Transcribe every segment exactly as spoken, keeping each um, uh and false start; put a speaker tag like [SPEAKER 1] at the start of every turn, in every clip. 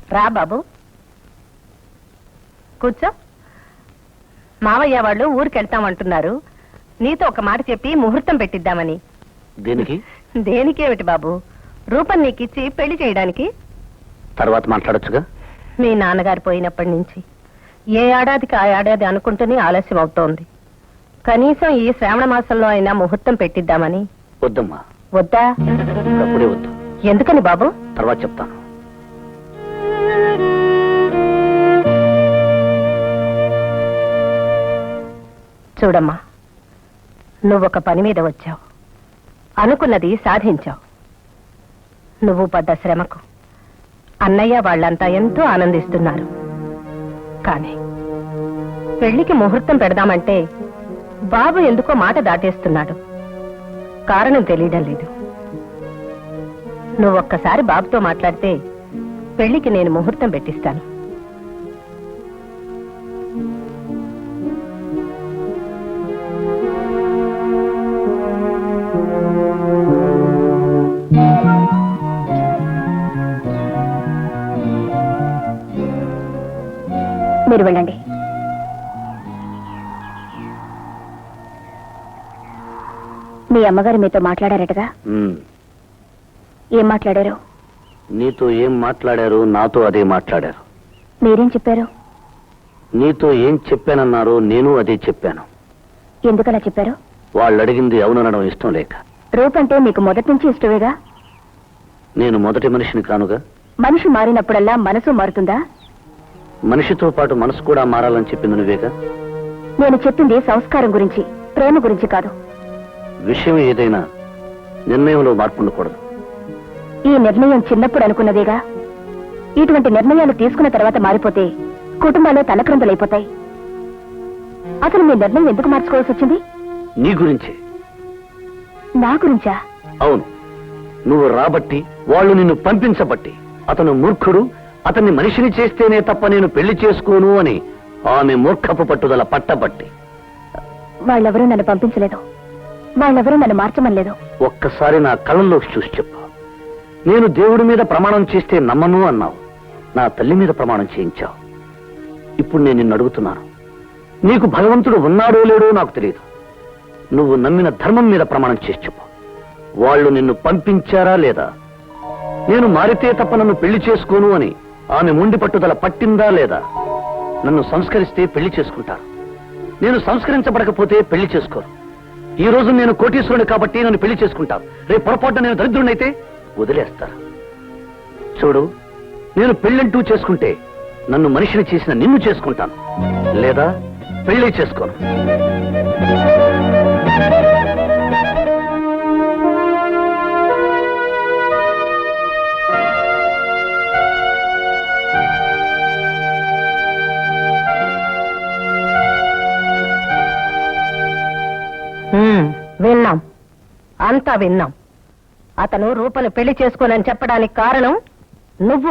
[SPEAKER 1] రా బాబు కూర్చో. మావయ్య వాళ్ళు ఊరికెళ్తామంటున్నారు. నీతో ఒక మాట చెప్పి ముహూర్తం పెట్టిద్దామని.
[SPEAKER 2] దేనికి?
[SPEAKER 1] దేనికేమిటి బాబు, రూపం నీకిచ్చి పెళ్లి చేయడానికి.
[SPEAKER 2] తర్వాత మాట్లాడొచ్చుగా.
[SPEAKER 1] మీ నాన్నగారు పోయినప్పటి నుంచి ఏ ఏడాదికి ఆ ఏడాది అనుకుంటూనే ఆలస్యం అవుతోంది. కనీసం ఈ శ్రావణ మాసంలో అయినా ముహూర్తం పెట్టిద్దామని.
[SPEAKER 2] వద్దమ్మా.
[SPEAKER 1] వద్దా?
[SPEAKER 2] అప్పుడే వద్దు.
[SPEAKER 1] ఎందుకని బాబు?
[SPEAKER 2] తర్వాత చెప్తాను.
[SPEAKER 1] చూడమ్మా, నువ్వొక పని మీద వచ్చావు, అనుకున్నది సాధించావు. నువ్వు పడ్డ శ్రమకు అన్నయ్య వాళ్ళంతా ఎంతో ఆనందిస్తున్నారు. కానీ పెళ్లికి ముహూర్తం పెడదామంటే బాబు ఎందుకో మాట దాటేస్తున్నాడు. కారణం తెలియడం లేదు. నువ్వొక్కసారి బాబుతో మాట్లాడితే పెళ్లికి నేను ముహూర్తం పెట్టిస్తాను.
[SPEAKER 3] మీరు వెళ్ళండి. మీ అమ్మగారు మీతో మాట్లాడారటగా? ఏం మాట్లాడారు?
[SPEAKER 2] నీతో ఏం మాట్లాడారు? నాతో అదే మాట్లాడారు.
[SPEAKER 3] మీరేం చెప్పారు?
[SPEAKER 2] నీతో ఏం చెప్పానన్నారు, నేను అదే చెప్పాను.
[SPEAKER 3] ఎందుకలా చెప్పారు?
[SPEAKER 2] వాళ్ళు అడిగింది అవుననడం ఇష్టం లేక.
[SPEAKER 3] రూపంటే మీకు మొదటి నుంచి ఇష్టమేగా?
[SPEAKER 2] నేను మొదటి మనిషిని కానుగా.
[SPEAKER 3] మనిషి మారినప్పుడల్లా మనసు మారుతుందా?
[SPEAKER 2] మనిషితో పాటు మనసు కూడా మారాలని చెప్పింది నువ్వేగా.
[SPEAKER 3] నేను చెప్పింది సంస్కారం గురించి, ప్రేమ గురించి కాదు.
[SPEAKER 2] విషయం ఏదైనా నిర్ణయంలో మార్పు ఉండకూడదు.
[SPEAKER 3] ఈ నిర్ణయం చిన్నప్పుడు అనుకున్నదేగా. ఇటువంటి నిర్ణయాలు తీసుకున్న తర్వాత మారిపోతే కుటుంబాలు తలక్రందులైపోతాయి. అసలు మీ నిర్ణయం ఎందుకు మార్చుకోవాల్సి వచ్చింది?
[SPEAKER 2] నీ గురించే.
[SPEAKER 3] నా గురించా?
[SPEAKER 2] అవును. నువ్వు రాబట్టి, వాళ్ళు నిన్ను పంపించబట్టి, అతను మూర్ఖుడు, అతన్ని మనిషిని చేస్తేనే తప్ప నేను పెళ్లి చేసుకోను అని ఆమె మూర్ఖపు పట్టుదల పట్టబట్టి.
[SPEAKER 3] వాళ్ళెవరూ నన్ను పంపించలేదు, వాళ్ళెవరూ నన్ను మార్చమనలేదు.
[SPEAKER 2] ఒక్కసారి నా కళ్ళల్లోకి చూసి చెప్పు. నేను దేవుడి మీద ప్రమాణం చేస్తే నమ్మను అన్నావు. నా తల్లి మీద ప్రమాణం చేయించావు. ఇప్పుడు నేను నిన్ను అడుగుతున్నాను, నీకు భగవంతుడు ఉన్నాడో లేడో నాకు తెలియదు. నువ్వు నమ్మిన ధర్మం మీద ప్రమాణం చేసి చెప్పు. వాళ్ళు నిన్ను పంపించారా లేదా? నేను మారితే తప్ప నన్ను పెళ్లి చేసుకోను అని ఆమె మొండి పట్టుదల పట్టిందా లేదా? నన్ను సంస్కరిస్తే పెళ్లి చేసుకుంటారు, నేను సంస్కరించబడకపోతే పెళ్లి చేసుకోరు. ఈ రోజు నేను కోటీశ్వరుని కాబట్టి నన్ను పెళ్లి చేసుకుంటారు, రేపు పొరపాటున నేను దరిద్రుడినైతే వదిలేస్తారు. చూడు, నేను పెళ్ళంటూ చేసుకుంటే నన్ను మనిషిని చేసిన నిన్ను చేసుకుంటాను, లేదా పెళ్లి చేసుకోను.
[SPEAKER 1] విన్నాం, అంతా విన్నాం. అతను రూపను పెళ్లి చేసుకోనని చెప్పడానికి కారణం నువ్వు.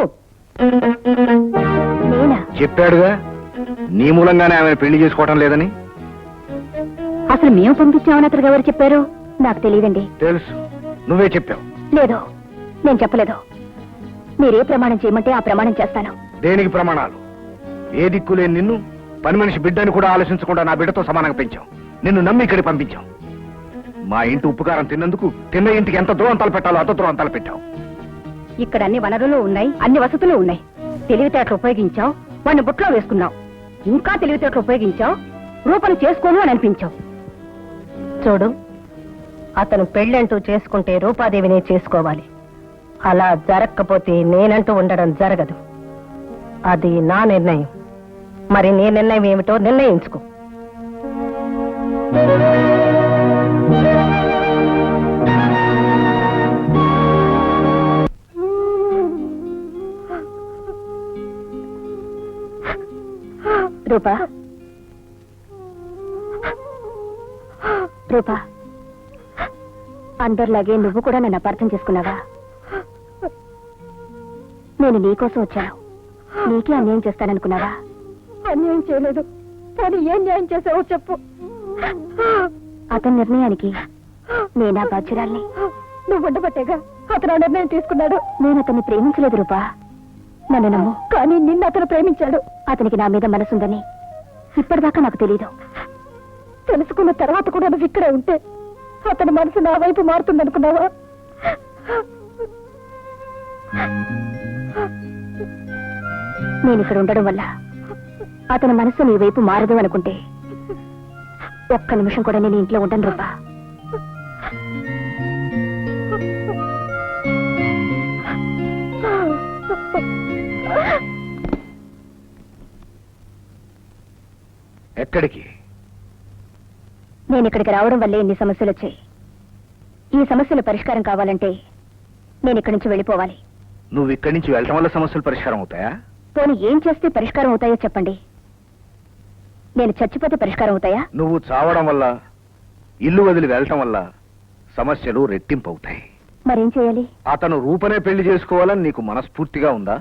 [SPEAKER 3] నేనా?
[SPEAKER 4] చెప్పాడుగా, నీ మూలంగానే ఆమెను పెళ్లి చేసుకోవటం లేదని.
[SPEAKER 3] అసలు మేము పంపించామని అతనికి ఎవరు చెప్పారు? నాకు తెలియదండి.
[SPEAKER 4] తెలుసు, నువ్వే చెప్పావు.
[SPEAKER 3] లేదు, నేను చెప్పలేదు. మీరే ప్రమాణం చేయమంటే ఆ ప్రమాణం చేస్తాను.
[SPEAKER 4] దేనికి ప్రమాణాలు? ఏ దిక్కులేని నిన్ను పని మనిషి బిడ్డని కూడా ఆలోచించకుండా నా బిడ్డతో సమానంగా పెంచాం. నిన్ను నమ్మి ఇక్కడికి పంపించాం. మా ఇంటి ఉప్పుకారం తిన్నందుకు తిన్న ఇంటికి ఎంత దూరం తలపెట్టాలో అంత దూరం తలపెట్టావు.
[SPEAKER 3] ఇక్కడ అన్ని వనరులు ఉన్నాయి, అన్ని వసతులు ఉన్నాయి. తెలివితేటలు ఉపయోగించావు, వాడిని బుట్లో వేసుకున్నావు. ఇంకా తెలివితేటలు ఉపయోగించావు, రూపను చేసుకోను అని అనిపించావు.
[SPEAKER 1] చూడు, అతను పెళ్ళంటూ చేసుకుంటే రూపాదేవినే చేసుకోవాలి. అలా జరగకపోతే నేనంటూ ఉండడం జరగదు. అది నా నిర్ణయం. మరి నీ నిర్ణయం ఏమిటో నిర్ణయించుకో.
[SPEAKER 3] రూపా, రూపా, అందరిలాగే నువ్వు కూడా నన్ను అపార్థం చేసుకున్నావా? నేను నీకోసం వచ్చాను, నీకే అన్యాయం చేస్తాననుకున్నావా? అన్యాయం చేయలేదు, కానీ ఏం న్యాయం చేసావో చెప్పు. అతని నిర్ణయానికి నేనా బాధ్యురాల్ని? నువ్వు ఉండబట్టేగా అతను నిర్ణయం తీసుకున్నాడు. నేను అతన్ని ప్రేమించలేదు రూపా. నన్ను నమ్ము. కానీ నిన్ను అతను ప్రేమించాడు. అతనికి నా మీద మనసుందని ఇప్పటిదాకా నాకు తెలీదు. తెలుసుకున్న తర్వాత కూడా నువ్వు ఇక్కడే ఉంటే అతని మనసు నా వైపు మారుతుందనుకున్నావా? నేను ఇక్కడ ఉండడం వల్ల అతని మనసు నీ వైపు మారదు అనుకుంటే ఒక్క నిమిషం కూడా నేను ఇంట్లో ఉండను రూపా.
[SPEAKER 4] ఎక్కడికి?
[SPEAKER 3] నేను ఇక్కడికి రావడం వల్లే ఇన్ని సమస్యలు వచ్చాయి. ఈ సమస్యల పరిష్కారం కావాలంటే నేను ఇక్కడి నుంచి వెళ్ళిపోవాలి.
[SPEAKER 4] నువ్వు ఇక్కడి నుంచి వెళ్ళటం వల్ల సమస్యలు పరిష్కారం అవుతాయా?
[SPEAKER 3] పోనీ ఏం చేస్తే పరిష్కారం అవుతాయో చెప్పండి. నేను చచ్చిపోతే పరిష్కారం అవుతాయా?
[SPEAKER 4] నువ్వు చావడం వల్ల, ఇల్లు వదిలి వెళ్ళటం వల్ల సమస్యలు రెట్టింపు అవుతాయి.
[SPEAKER 3] మరేం చేయాలి?
[SPEAKER 4] అతను రూపనే పెళ్లి చేసుకోవాలని నీకు మనస్ఫూర్తిగా ఉందా?